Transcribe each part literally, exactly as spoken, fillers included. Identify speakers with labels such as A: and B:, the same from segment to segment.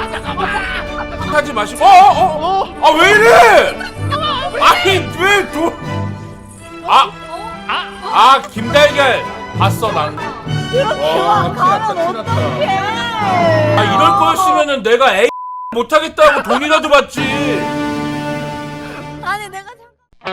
A: 하지 마시고. 어어어. 아 왜 이래? 아니 왜 도? 아. 아 김달걀 봤어 난.
B: 이렇게만 가면 어떡해.
A: 아 이럴 거였으면은 내가 에이 못하겠다고 돈이라도 받지.
B: 아니 내가 잠깐.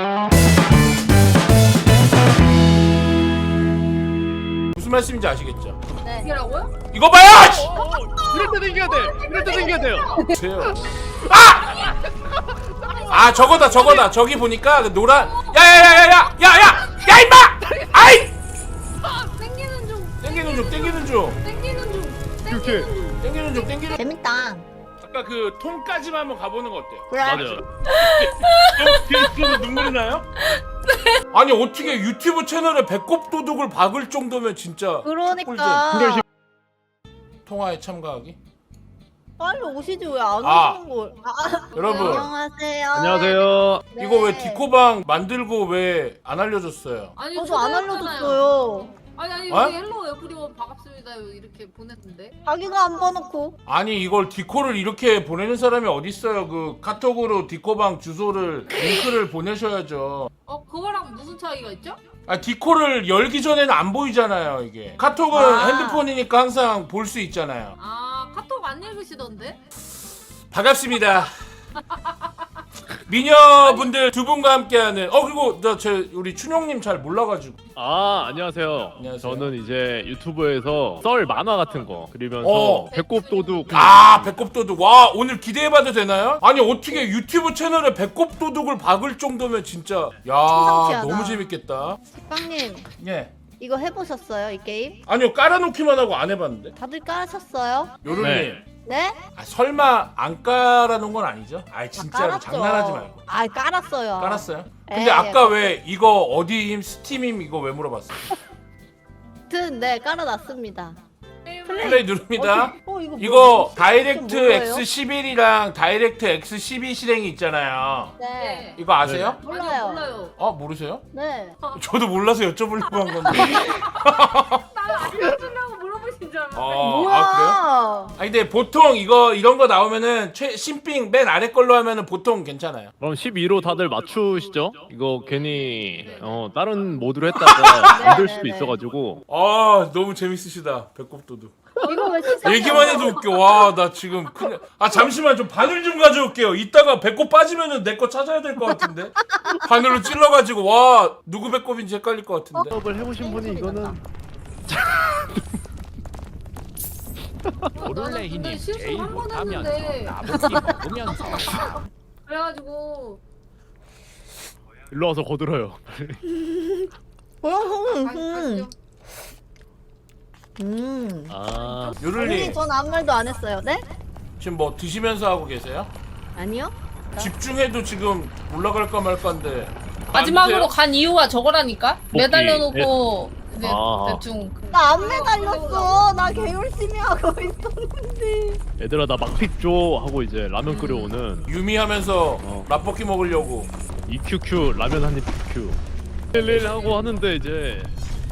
A: 무슨 말씀인지 아시겠죠?
B: 네.
C: 이라고요?
A: 이거 봐요. 씨!
D: 이럴 때 당겨야 돼. 이럴 때 당겨야 돼요.
A: 보세요. 아! 아 저거다 저거다. 저기 보니까 그 노란. 야야야야야 야야 야 임마! 아이!
C: 땡기는 중.
A: 땡기는 중 땡기는 중
C: 땡기는 중.
D: 이렇게.
A: 땡기는 중 땡기는.
B: 재밌다.
A: 아까 그 통까지만 한번 가보는 거 어때요?
B: 그래.
D: 맞아요.
A: 그래서 눈물이 나요? 아니 어떻게 유튜브 채널에 배꼽 도둑을 박을 정도면 진짜
B: 그러니까.
A: 통화에 참가하기?
B: 빨리 오시지 왜 안
A: 아.
B: 오시는 걸? 아,
A: 여러분
B: 안녕하세요.
D: 안녕하세요.
B: 네.
A: 이거 왜 디코방 만들고 왜 안 알려줬어요?
C: 아니
B: 저도 안
C: 초대했잖아요.
B: 알려줬어요.
C: 아니 아니
A: 어?
C: 우리 헬로 에브리원 반갑습니다 이렇게 보냈는데.
B: 자기가 안 봐놓고.
A: 아니 이걸 디코를 이렇게 보내는 사람이 어딨어요. 그 카톡으로 디코방 주소를 링크를 보내셔야죠.
C: 어 그거랑 무슨 차이가 있죠?
A: 아 디코를 열기 전에는 안 보이잖아요 이게. 카톡은
B: 아.
A: 핸드폰이니까 항상 볼 수 있잖아요.
C: 아 카톡 안 읽으시던데?
A: 반갑습니다. 미녀분들 두 분과 함께하는 어 그리고 저, 저 우리 춘용님 잘 몰라가지고
D: 아 안녕하세요.
A: 안녕하세요.
D: 저는 이제 유튜브에서 썰 만화 같은 거 그리면서
A: 어.
D: 배꼽 도둑.
A: 아 배꼽도둑 와 오늘 기대해봐도 되나요? 아니 어떻게 유튜브 채널에 배꼽도둑을 박을 정도면 진짜 야
B: 심상치 않아.
A: 너무 재밌겠다.
B: 식빵님
A: 예
B: 이거 해보셨어요 이 게임?
A: 아니요 깔아놓기만 하고 안 해봤는데
B: 다들 깔으셨어요?
A: 요런님
D: 네.
B: 네?
A: 아, 설마 안 깔아놓은 건 아니죠? 아
B: 다
A: 진짜로
B: 깔았죠.
A: 장난하지 말고
B: 아 깔았어요.
A: 깔았어요?
B: 예,
A: 근데 아까
B: 예.
A: 왜 이거 어디임 스팀임 이거 왜 물어봤어요?
B: 아무튼 네 깔아놨습니다.
A: 플레이 누릅니다.
B: 어, 이거
A: 이거
B: 뭐지?
A: 다이렉트
B: 뭐예요?
A: 엑스 십일이랑 다이렉트 엑스 십이 실행이 있잖아요.
B: 네.
A: 이거 아세요?
B: 몰라요.
C: 아니요 몰라요.
A: 어 모르세요?
B: 네.
A: 저도 몰라서 여쭤보려고 한 건데.
C: 나는 알려주려고 물어보신 줄 알았는데.
A: 어,
B: 뭐야?
A: 아 그래요? 아 근데 보통 이거 이런 거 나오면은 최 신빙 맨 아래 걸로 하면은 보통 괜찮아요.
D: 그럼 십이로 다들 맞추시죠? 이거 괜히 어 다른 모드로 했다가 안 될 수도
B: 네, 네.
D: 있어가지고.
A: 아 너무 재밌으시다 배꼽도둑.
B: 이거 왜 진짜?
A: 얘기만 해도 웃겨. 와 나 지금 그냥 아 잠시만 좀 바늘 좀 가져올게요. 이따가 배꼽 빠지면은 내 거 찾아야 될 것 같은데. 바늘로 찔러가지고 와 누구 배꼽인지 헷갈릴 것 같은데.
D: 수업을 해보신 분이 이거는
C: 나는 근데 실수 한 번 했는데 그래가지고
D: 일로 와서 거들어요.
B: 어, 음,
C: 아,
B: 음.
C: 아시죠?
B: 음.
D: 아
B: 언니
A: 요를님
B: 전 아무 말도 안 했어요. 네?
A: 지금 뭐 드시면서 하고 계세요?
B: 아니요.
A: 집중해도 지금 올라갈까 말까인데.
E: 마지막으로 간 이유가 저거라니까?
D: 복귀.
E: 매달려놓고 이제
D: 아.
E: 대충
B: 나 안 매달렸어. 나 개 열심히 하고 있었는데.
D: 얘들아 나 막픽 줘 하고 이제 라면 끓여오는
A: 유미하면서
D: 어.
A: 라볶이 먹으려고.
D: 이큐큐 라면 한입 큐큐 렐렐 하고 하는데 이제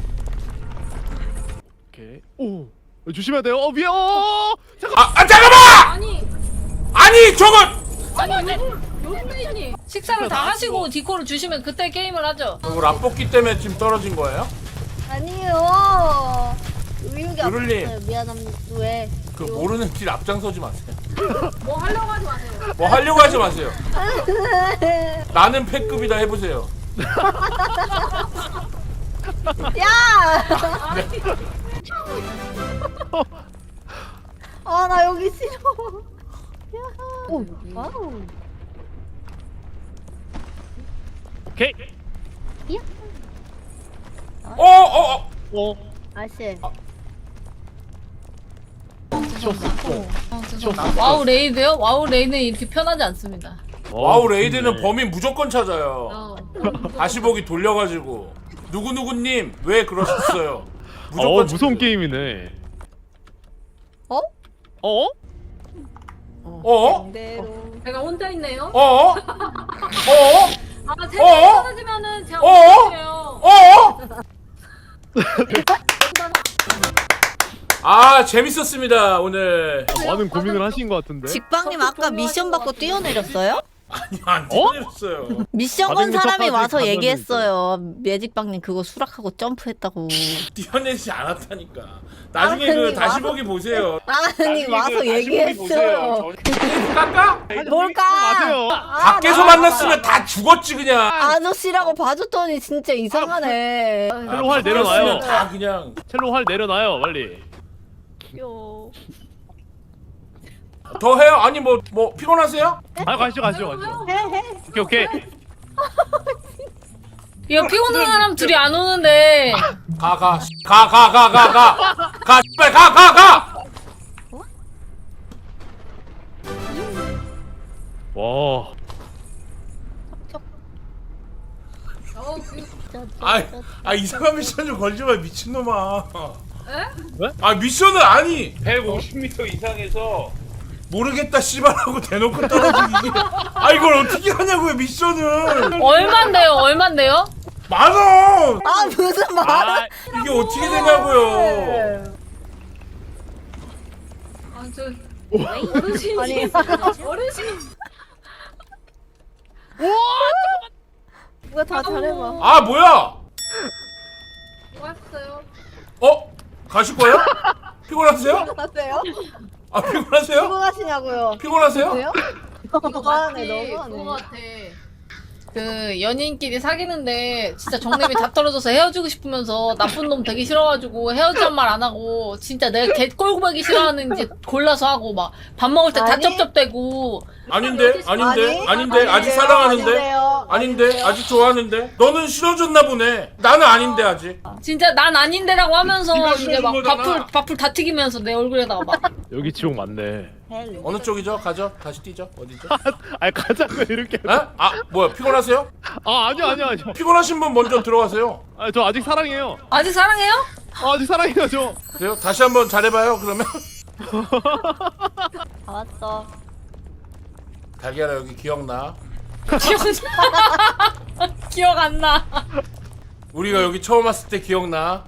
D: 오케이 오 조심해야 돼요. 어 위에 어 잠깐.
A: 아, 아 잠깐만!
C: 아니
A: 아니 저건
C: 아니 요즘에님
E: 식사를 다 하시고 디코를 주시면 그때 게임을 하죠.
A: 이거 라볶이 때문에 지금 떨어진 거예요?
B: 아니요. 의욕이
A: 요를님.
B: 없었어요. 미안합니다. 왜?
A: 그 모르는 길 앞장서지 마세요.
C: 뭐 하려고 하지 마세요.
A: 뭐 하려고 하지 마세요. 나는 패급이다 해보세요.
B: 야! 아, 나 여기 싫어. 야. 오, 와우.
D: 오케이
A: 어, 어, 어.
D: 어
B: 아씨.
E: 어, 죄송합니다. 와우 레이드요? 와우 레이드는 이렇게 편하지 않습니다.
A: 와우
D: 어,
A: 레이드는
D: 좋네.
A: 범인 무조건 찾아요.
C: 어.
A: 다시 보기 돌려가지고 누구 누구님 왜 그러셨어요?
D: 어 무서운
A: 찾아요.
D: 게임이네.
B: 어?
D: 어?
A: 어?
B: 대로.
C: 제가 혼자 있네요.
A: 어? 어?
C: 아
A: 어?
C: 제가 떨어지면은 제가
A: 어?
C: 혼자예요.
A: 어? 아 재밌었습니다 오늘.
D: 아, 많은 고민을 하신 것 같은데.
B: 직방님 아까 미션 받고 뛰어내렸어요?
A: 아니 안
D: 어?
A: 때렸어요.
B: 미션 건
D: 받은 게
B: 사람이
D: 첫 번째
B: 와서
D: 가면은
B: 얘기했어요. 매직방님 그거 수락하고 점프했다고.
A: 뛰어내지 않았다니까. 나중에
B: 아니,
A: 그 다시
B: 와서-
A: 보기 보세요.
B: 아니
A: 나중에
B: 와서
A: 그 다시 보기
B: 얘기했어요.
A: 보세요. 저- 깎아?
B: 뭘까?
D: 맞아요.
A: 밖에서 만났으면 다 죽었지 그냥.
B: 아저씨라고 봐줬더니 진짜 이상하네.
D: 첼로 활 내려놔요.
A: 다 그냥.
D: 첼로 활 내려놔요 빨리.
B: 귀여워.
A: 더 해요? 아니 뭐 뭐 피곤하세요?
D: 아 가시죠 가시죠 가시죠. 오케이 오케이.
E: 이거 피곤한 사람 둘이 안 오는데.
A: 가 가 가 가 가 가 가 가 씨발 가 가 가.
D: 와.
A: 아, 아 이상한 미션 좀 걸지 마 미친놈아.
C: 에?
D: 왜?
A: 아 미션을 아니 백오십 미터 이상에서 모르겠다 씨발하고 대놓고 떨어지기 이게 아 이걸 어떻게 하냐고요 미션을.
E: 얼만데요? 얼만데요?
A: 만 원.
B: 아 무슨 말?
D: 아,
A: 이게 어떻게 되냐고요.
C: 아저 어르신이
B: 아니.
C: 어르신
B: 누가 다 잘해봐.
A: 아 뭐야?
C: 왔어요.
A: 어? 가실 거예요? 피곤하세요?
B: 하세요?
A: 아 피곤하세요?
B: 피곤하시냐고요?
A: 피곤하세요?
B: 왜요? 너무하네
C: 그거
B: 너무하네.
C: 같아.
E: 그 연인끼리 사귀는데 진짜 정립이 다 떨어져서 헤어지고 싶으면서 나쁜 놈 되게 싫어가지고 헤어지란 말 안 하고 진짜 내가 개 꼴보기 싫어하는지 골라서 하고 막 밥 먹을 때 다
B: 아니.
E: 쩝쩝대고.
A: 아닌데 아닌데 아닌데 아직
B: 아닌데요,
A: 사랑하는데
B: 아닌데요.
A: 아닌데 아직 좋아하는데 너는 싫어졌나 보네. 나는 아닌데 아직.
E: 진짜 난 아닌데라고 하면서
A: 네가
E: 이제 막
A: 싫어진 거잖아.
E: 밥풀 밥풀 다 튀기면서 내 얼굴에다가 막.
D: 여기 지옥 맞네.
A: 어느 쪽이죠? 가죠? 다시 뛰죠? 어디죠?
D: 아 가자고 이렇게.
A: 에? 아 뭐야 피곤하세요?
D: 아 아니요 아니요 아니요.
A: 피곤하신 분 먼저 들어가세요.
D: 아 저 아직 사랑해요.
E: 아직 사랑해요?
D: 아, 아직 사랑해요 저.
A: 그래요? 다시 한번 잘해봐요 그러면.
B: 다 왔어.
A: 달걀아 여기 기억나?
E: 기억 기억 안 나.
A: 우리가 여기 처음 왔을 때 기억나?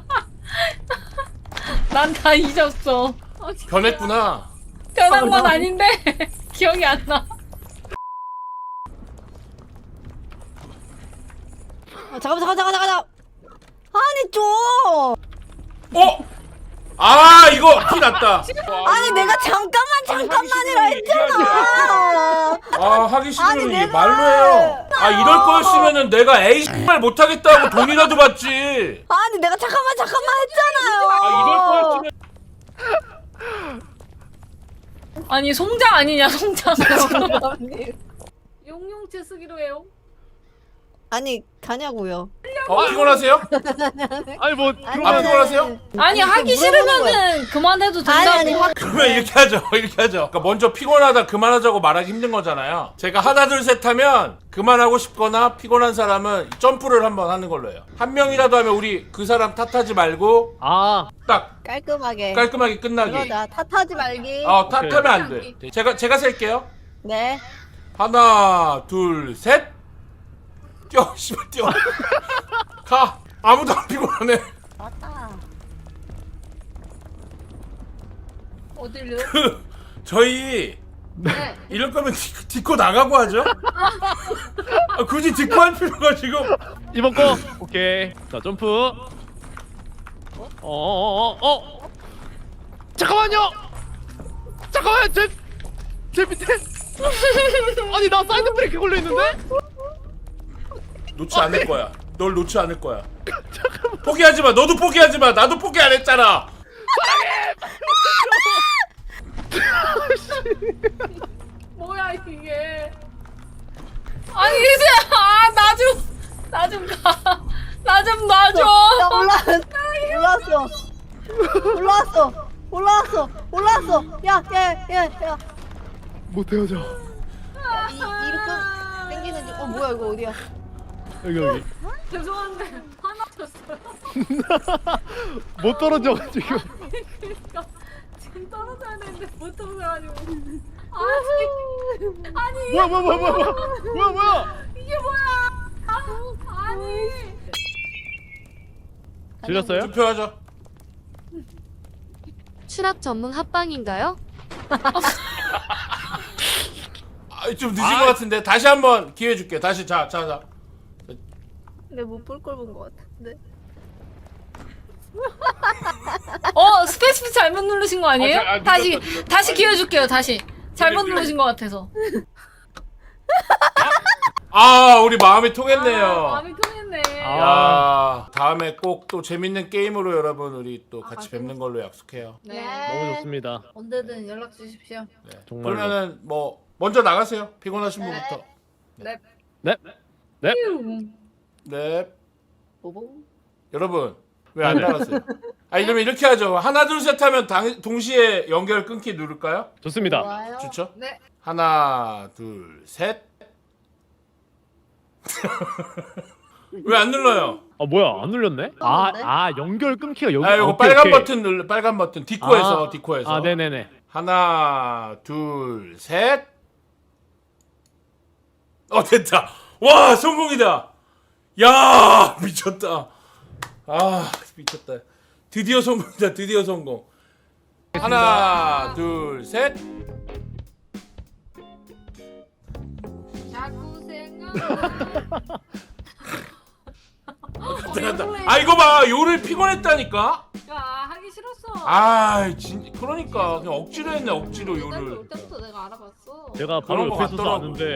E: 난 다 잊었어.
A: 변했구나.
E: 변한 건 아닌데 기억이 안 나.
B: 아, 잠깐만 잠깐 잠깐 잠깐. 아니 좀.
A: 어? 아 이거 피 났다.
B: 아니 내가 잠깐만 잠깐만이라
A: 하기
B: 했잖아.
A: 아 하기 싫으면
B: 아니,
A: 이게
B: 내가-
A: 말로 해요. 아 이럴 거였으면은 내가 에이 말 못하겠다고 돈이라도 받지.
B: 아니 내가 잠깐만 잠깐만 했잖아요.
A: 아 이럴 거였으면
E: 아니 송장 아니냐 송장.
C: 용용채 쓰기로 해요.
B: 아니 가냐고요.
A: 어 피곤하세요?
D: 아니 뭐
A: 아
D: 그러면
A: 피곤하세요?
E: 아니 하기 싫으면은 그만해도
B: 아니
E: 된다고.
B: 아니 확.
A: 그러면 이렇게 하죠. 이렇게 하죠. 그러니까 먼저 피곤하다 그만하자고 말하기 힘든 거잖아요. 제가 하나 둘 셋 하면 그만하고 싶거나 피곤한 사람은 점프를 한번 하는 걸로 해요. 한 명이라도 하면 우리 그 사람 탓하지 말고
D: 아
A: 딱
B: 깔끔하게.
A: 깔끔하게 끝나기.
B: 그러자. 탓하지 말기.
A: 어 탓하면 안 돼. 제가 제가 셀게요.
B: 네.
A: 하나 둘 셋. 뛰어 씨발 뛰어. 가. 아무도 안 피곤하네.
B: 맞다.
C: 어딜요?
A: 저희
C: 네.
A: 이럴 거면 딛- 딛고 나가고 하죠? 아, 굳이 딛고 할 필요가 지금.
D: 이번 거 오케이. 자 점프. 어어어어 어, 어. 잠깐만요. 잠깐만 제 제 밑에. 아니 나 사이드 브레이크 걸려 있는데?
A: 놓지 않을 거야. 널 놓지 않을 거야. 포기하지 마. 너도 포기하지 마. 나도 포기 안 했잖아.
C: 뭐야 이게?
E: 아니 이제 아나 좀 나 좀 가. 나 좀 놔줘.
B: 나 올라왔어. 올라왔어. 올라왔어. 올라왔어. 올라왔어. 야, 야, 야, 야.
D: 못 헤어져.
B: 이 이렇게 당기는 중. 어 뭐야 이거 어디야?
D: 여기 여기.
C: 죄송한데 하나 쳤어요.
D: 못 떨어져가지고.
C: 그러니까 지금 떨어져야 되는데 못 떨어져가지고. 아니 아니
D: 뭐야 뭐야 뭐야 뭐야 뭐야 뭐야.
C: 이게 뭐야? 아, 아니
D: 질렸어요?
A: 투표하자.
F: 추락 전문 합방인가요?
A: 아, 좀 늦은
D: 아.
A: 것 같은데 다시 한번 기회 줄게. 다시 자, 자, 자.
B: 근데 못 볼 걸 본 것 같은데.
E: 어 스페이스 잘못 누르신 거 아니에요?
A: 아, 자, 아,
E: 다시
A: 늦었다, 늦었다.
E: 다시 기회 줄게요. 다시 잘못
A: 미안,
E: 누르신 것 같아서.
A: 아, 우리 마음이 통했네요.
C: 아, 마음이 통했네.
A: 야, 다음에 꼭 또 재밌는 게임으로 여러분 우리 또 같이
C: 아,
A: 뵙는 걸로 약속해요.
C: 네.
D: 너무 좋습니다.
B: 언제든 연락 주십시오.
A: 네.
D: 정말로.
A: 그러면은 뭐 먼저 나가세요. 피곤하신 분부터.
D: 네.
A: 네.
B: 보봉.
A: 여러분 왜 안
D: 네.
A: 나갔어요? 아니 그러면 이렇게 하죠. 하나 둘 셋 하면 당, 동시에 연결 끊기 누를까요?
D: 좋습니다.
B: 좋아요.
A: 좋죠?
C: 네.
A: 하나 둘 셋. 왜 안 눌러요?
D: 아 뭐야 안 눌렸네? 아,
B: 눌렀는데?
D: 아 연결 끊기가 여기.
A: 아 이거
D: 오케이,
A: 빨간
D: 오케이.
A: 버튼 눌러. 빨간 버튼 디코에서
D: 아,
A: 디코에서.
D: 아 네네네.
A: 하나 둘 셋. 어 됐다. 와 성공이다. 야 미쳤다. 아 미쳤다. 드디어 성공이다. 드디어 성공. 하나 둘 셋.
C: 자꾸 생각.
A: 들어간다. 아 이거 봐 요를 피곤했다니까.
C: 야 하기 싫었어.
A: 아 진 그러니까 그냥 억지로 했네 억지로
B: 일단
A: 요를.
B: 올 때부터 내가 알아봤어.
D: 제가
A: 그런
D: 바로
A: 거
D: 옆에 있어서
A: 같더라고.
D: 아는데